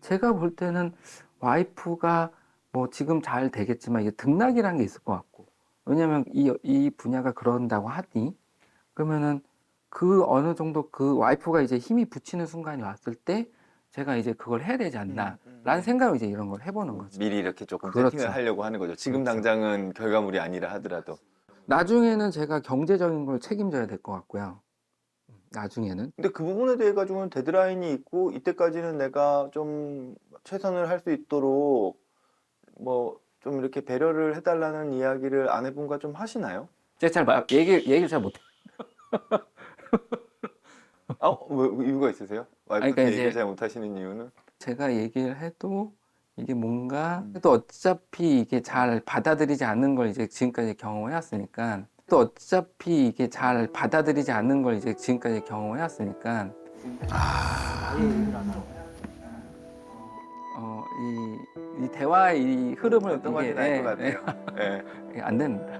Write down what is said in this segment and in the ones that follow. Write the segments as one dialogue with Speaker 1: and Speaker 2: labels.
Speaker 1: 제가 볼 때는 와이프가 뭐 지금 잘 되겠지만 이게 등락이라는 게 있을 것 같고, 왜냐면 이 분야가 그런다고 하니, 그러면은 그 어느 정도 그 와이프가 이제 힘이 붙이는 순간이 왔을 때 제가 이제 그걸 해야 되지 않나라는 생각으로 이제 이런 걸 해보는 거죠.
Speaker 2: 미리 이렇게 조금
Speaker 1: 그렇죠.
Speaker 2: 세팅을 하려고 하는 거죠. 지금
Speaker 1: 그렇죠.
Speaker 2: 당장은 결과물이 아니라 하더라도.
Speaker 1: 나중에는 제가 경제적인 걸 책임져야 될 것 같고요. 나중에는.
Speaker 2: 근데 그 부분에 대해 가지고는 데드라인이 있고 이때까지는 내가 좀 최선을 할 수 있도록 뭐 좀 이렇게 배려를 해달라는 이야기를 아내분과 좀 하시나요?
Speaker 1: 제가 잘 얘기를 잘 못해요.
Speaker 2: 왜 이유가 있으세요?
Speaker 1: 아니,
Speaker 2: 와이프한테
Speaker 1: 그러니까
Speaker 2: 얘기를
Speaker 1: 이제
Speaker 2: 잘 못하시는 이유는?
Speaker 1: 제가 얘기를 해도 이게 뭔가 또 어차피 이게 잘 받아들이지 않는 걸 이제 지금까지 경험해왔으니까, 또 어차피 이게 잘 받아들이지 않는 걸 이제 지금까지 경험해왔으니까, 이 대화의 이 흐름을
Speaker 2: 어떤 말인지 알 것 같아요. 예.
Speaker 1: 안 됩니다.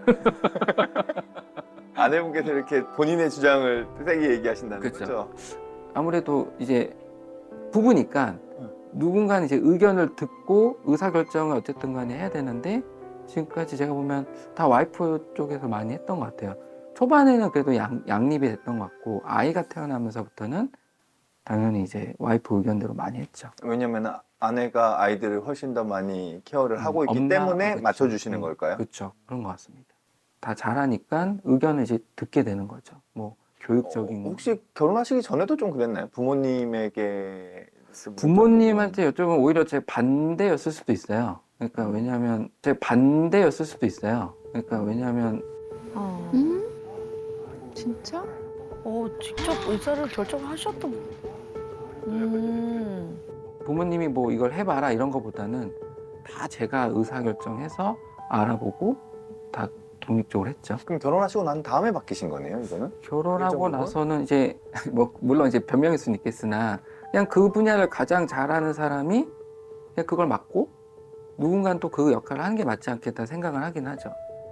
Speaker 2: 아내분께서 이렇게 본인의 주장을 세게 얘기하신다는
Speaker 1: 그렇죠.
Speaker 2: 거죠?
Speaker 1: 아무래도 이제 부부니까 누군가는 이제 의견을 듣고 의사결정을 어쨌든 간에 해야 되는데, 지금까지 제가 보면 다 와이프 쪽에서 많이 했던 것 같아요. 초반에는 그래도 양립이 됐던 것 같고, 아이가 태어나면서부터는 당연히 이제 와이프 의견대로 많이 했죠.
Speaker 2: 왜냐면 아내가 아이들을 훨씬 더 많이 케어를 하고 있기 때문에
Speaker 1: 그쵸.
Speaker 2: 맞춰주시는 걸까요?
Speaker 1: 그렇죠. 그런 것 같습니다. 다 잘하니까 의견을 이제 듣게 되는 거죠. 뭐 교육적인
Speaker 2: 혹시 결혼하시기 전에도 좀 그랬나요? 부모님에게
Speaker 1: 부모님한테 여쭤보면 오히려 제 반대였을 수도 있어요. 그러니까 왜냐하면 제 반대였을 수도 있어요. 그러니까 왜냐하면
Speaker 3: 진짜?
Speaker 4: 직접 의사를 결정하셨던.
Speaker 1: 부모님이 뭐 이걸 해봐라 이런 거보다는 다 제가 의사결정해서 알아보고 다 독립적으로 했죠.
Speaker 2: 그럼 결혼하시고 난 다음에 바뀌신 거네요, 이거는?
Speaker 1: 결혼하고
Speaker 2: 일정부분?
Speaker 1: 나서는 이제 뭐 물론 이제 변명일 수는 있겠으나, 그냥 그 분야를 가장 잘하는 사람이 그냥 그걸 맡고 누군가는 또 그 역할을 하는 게 맞지 않겠다 생각을 하긴 하죠.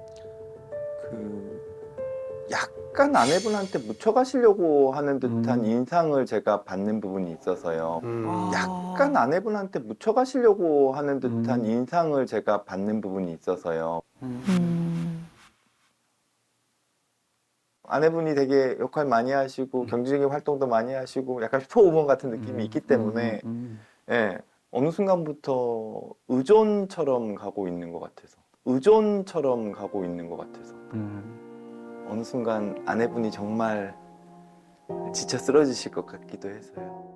Speaker 2: 약간 아내분한테 묻혀가시려고 하는 듯한
Speaker 1: 음.
Speaker 2: 인상을 제가 받는 부분이 있어서요.
Speaker 4: 아.
Speaker 2: 약간 아내분한테 묻혀가시려고 하는 듯한
Speaker 1: 음.
Speaker 2: 인상을 제가 받는 부분이 있어서요. 아내분이 되게 역할 많이 하시고 경제적인 활동도 많이 하시고 약간 슈퍼우먼 같은 느낌이 있기 때문에 예, 어느 순간부터 의존처럼 가고 있는 것 같아서 어느 순간 아내분이 정말 지쳐 쓰러지실 것 같기도 해서요.